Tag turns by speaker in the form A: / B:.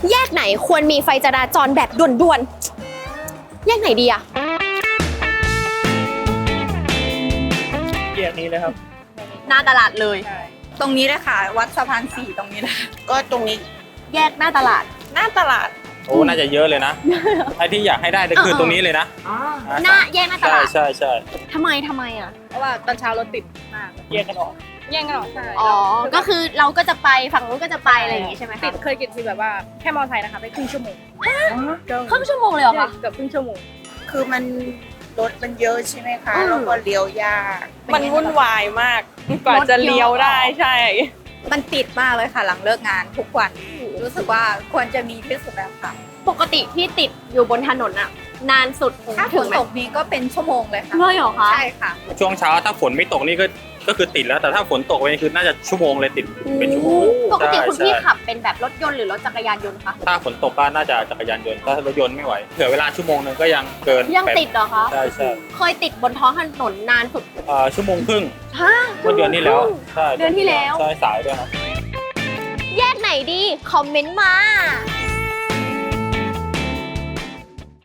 A: แยกไหนควรมีไฟจราจรแบบด่วนๆแยกไหนดีอะ
B: แยกนี้เลยครับ
A: หน้าตลาดเลย
C: ตรงนี้เลยค่ะ วัดสะพาน4ตรงนี้เลย
D: ก็ตรงนี้
A: แยกหน้าตลาด
D: หน้าตลาด
B: โอ้น่าจะเยอะเลยนะไอ้ที่อยากให้ได้ก็คือตรงนี้เลยนะ
A: หน้าแยกหน้าตลาด
B: ใช่ใช่
A: ทำไมอ่ะ
C: เพราะว่าตอนเช้ารถติดมาก
B: แยกกันออก
C: แย่งกันหรอใช่
A: อ๋อ ก็คือเราก็จะไปฝั่งนู้นก็จะไปอะไรอย่างงี้ใช่ไหม
C: ติ
A: คะ
C: ดเคยกินทีแบบว่าแค่มอไซค์นะคะไปครึ่งชั่วโมง
A: ครึ่งชั่วโมงเลยเหรอคะ
C: เกือบครึ่งชั่วโมง
D: คือมันรถมันเยอะใช่ไหมคะ
A: อืม
D: แล้วก็เลี้ยวยาก
E: มันวุ่นวายมากกว่าจะเลี้ยวได้ใช่
C: มันติดมากเลยค่ะหลังเลิกงานทุกวัน รู้สึกว่าควรจะมีที่สุดแล้วค่ะ
A: ปกติที่ติดอยู่บนถนนอะนานสุด
C: ถ้าฝ
A: ถึง
C: น
A: ไหม
C: ตกนี้ก็เป็นชั่วโมงเลยค่ะ
A: เลยเหรอคะ
C: ใช่ค่ะ
B: ช่วงเช้าถ้าฝนไม่ตกนี่ก็คือติดแล้วแต่ถ้าฝนตกไปคือน่าจะชั่วโมงเลยติดเป็นชั่วโมง
A: ปกติคุณพี่
B: ใช่
A: ขับเป็นแบบรถยนต์หรือรถจักรยานยนต์คะ
B: ถ้าฝนตกก็น่าจะจักรยานยนต์ถ้ารถยนต์ไม่ไหวเผื่อเวลาชั่วโมงนึงก็ยังเกิน
A: ยังติดเหรอคะ
B: ใช่ใช่
A: เคยติดบนท้องถนนนานสุด
B: ชั่วโมงครึ่ง
A: ฮะ
B: เมื่อเดือนที่แล้วใช่
A: เดือนที่แล้ว
B: ใช่สายด้วยครับ
A: แยกไหนดี คอมเมนต์มา